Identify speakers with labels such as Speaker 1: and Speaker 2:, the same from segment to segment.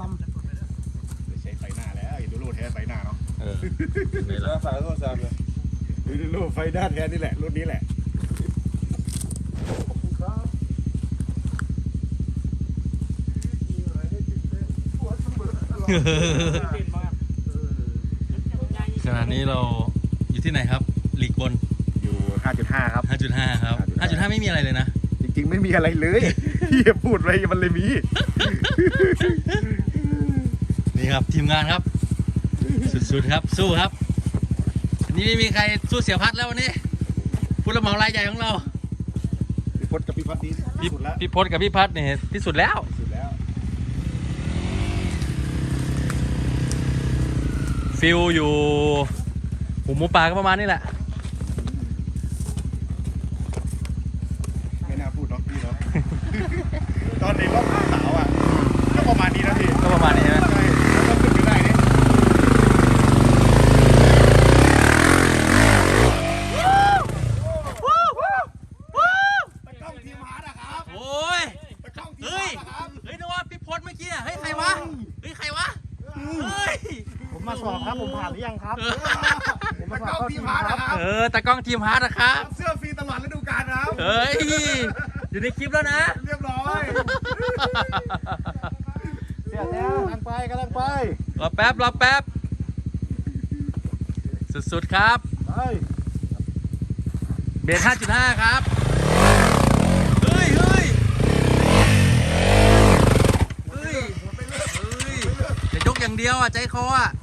Speaker 1: ใช้ไฟหน้าแล้วดูโลแท้ไฟหน้าเนาะ
Speaker 2: นี่แหละสายโทรศัพท์เลย
Speaker 1: ดูโลไฟหน้าแท้นี่แหละรุ่นนี้แหละ
Speaker 3: ขณะนี้เราอยู่ที่ไหนครับลีกบน
Speaker 1: อยู่ 5.5 ครับ
Speaker 3: 5.5 ครับ 5.5 ไม่มีอะไรเลยนะ
Speaker 1: จริงๆไม่มีอะไรเลยพี่พูดอะไรมันเลยมี
Speaker 3: นี่ครับทีมงานครับสุดๆครับสู้ครับอันนี้ไม่มีใครสู้เสียพัดแล้ววันนี้ผู้รับเหมารายใหญ่ของเรา
Speaker 1: พี่พศกับพี่พัดนี่สุดแล้ว
Speaker 3: พี่พศกับพี่พัดเนี่ยที่สุดแล้วฟิลอยู่หูหมูป่าก็ประมาณนี้แหละ
Speaker 1: ไม่น่าพูดเนาะพี่เนาะ ตอนในรอบสาวอ่ะก็ประมาณนี้นะพี่
Speaker 3: ก็ประมาณนี้ใช่ไหม
Speaker 1: ใช่แล้วก็ขึ้นไปได้นี่ตะก้องทีมฮาร์ดอะครับ
Speaker 3: โอ้ย
Speaker 1: ตะก้องทีม
Speaker 3: เฮ้
Speaker 1: ฮาย ร์ดอะครับ
Speaker 3: นึกว่าพี่พศเมื่อกี้เฮ้ยใครวะเฮ้ยใครวะเฮ้ย
Speaker 2: ผมมาสอบครับผมผ่านหรือยังครับผมมา
Speaker 1: ตะ
Speaker 2: สอบ
Speaker 1: ก้องทีมฮาร์ดอะครับ
Speaker 3: ตากล้องทีมฮาร์ดนะครับ
Speaker 1: เสื้อฟรีตลอดฤดูกาลนะครับ
Speaker 3: เฮ้ยอยู่ในคลิปแล้วนะ
Speaker 1: เรียบร้อย
Speaker 2: เสียแล้วกำลังไป
Speaker 3: รอแป๊บสุดๆครับเบส 5.5 ครับเฮ้ยจะยกอย่างเดียวอ่ะใจคออ่ะ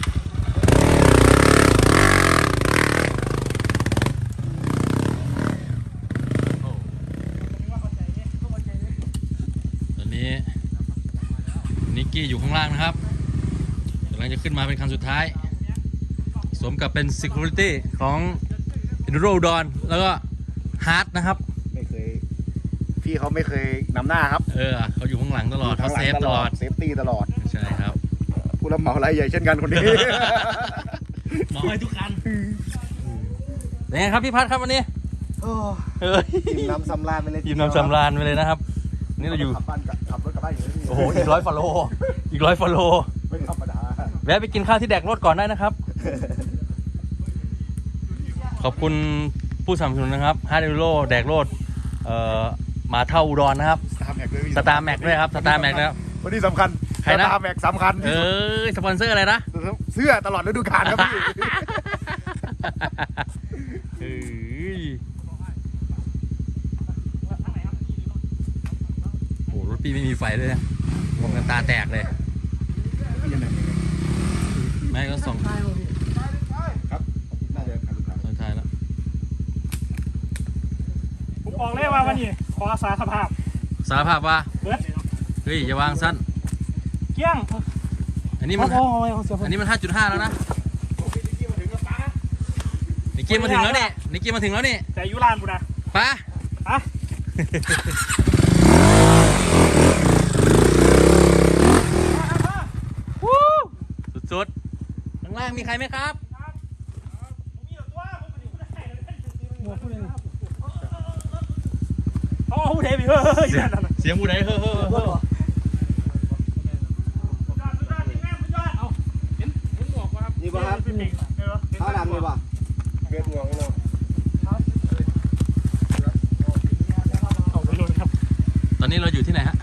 Speaker 3: ตอนนี้นิกกี้อยู่ข้างล่างนะครับกำลังจะขึ้นมาเป็นคันสุดท้ายสมกับเป็น Security ของ Enduro อุดรแล้วก็ฮาร์ดนะครับ
Speaker 1: ไม่เคยพี่เขาไม่เคยนำหน้าครับ
Speaker 3: เขาอยู่ข้างหลังตลอดเขาเซฟตลอด
Speaker 1: เซฟตี้ตลอด
Speaker 3: ใช่ครับ
Speaker 1: ผู้รับเหมารายใหญ่เช่นกันคนนี้
Speaker 3: เหมาให้ทุกคันเป็นไงครับพี่พัดครับวันนี้
Speaker 1: ทีมนำสำราญไปเลย
Speaker 3: ทีมนำสำราญไปเลยนะครับนี่เราอยู่
Speaker 1: ขับรถกลับบ้านอยู่นี่
Speaker 3: โอ้โหอีก100 ฟอลโล
Speaker 1: ไม่ธรรมดา
Speaker 3: แวะไปกินข้าวที่แดกรถก่อนได้นะครับขอบคุณผู้สนับสนุนนะครับฮาร์ดเอโร่แดกรถมาเท่าอุดรนะครับสตาร์แม็กด้วยครับสตาร์แม็กนะครับ
Speaker 1: วันนี้สำคัญ
Speaker 3: ใครนะ
Speaker 1: สตาร์แม็กสำคัญ
Speaker 3: สปอนเซอร์อะไรนะ
Speaker 1: เสื้อตลอดฤดูกาลครับพี่
Speaker 3: โอ้รถพี่ไม่มีไฟเลยนะมองกันตาแตกเลยไม่ก็ส่อง
Speaker 1: ครับน่าจะคันสุดท้าย
Speaker 3: ส่องท้ายแล้ว
Speaker 2: ผมออกเลยว่าวันนี้ขอสารภาพ
Speaker 3: ว่าเฮ้ยอย่าวางสั้น
Speaker 2: เกี้ยง
Speaker 3: อันนี้มัน 5.5 แล้วนะนิกกี้มาถึงแล้วนี่
Speaker 2: แต่ยุรานบุนะ
Speaker 3: ปะสุดๆข้างล่างมีใครไหมครับ
Speaker 2: ผู้ใดพี่
Speaker 3: เสียงผู้ใดเฮ้อ
Speaker 1: นี่ป่ะครับข้าวดำนี่ป่ะเกลือหัวของเรา
Speaker 3: ตอนนี้เราอยู่ที่ไหนฮะ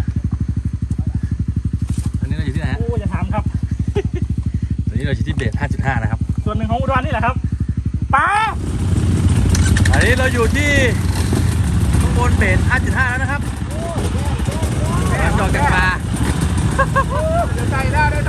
Speaker 3: โอ้
Speaker 2: อย่าถามครับ
Speaker 3: ตอนนี้เราอยู่ที่เบส 5.5 นะครับ
Speaker 2: ส่วนหนึ่งของอุดรนี่แหละครับป้า
Speaker 3: อันนี้เราอยู่ที่ข้างบนเบส 5.5 แล้วนะครับจอดจากปลา
Speaker 1: เดี๋ยวใจได้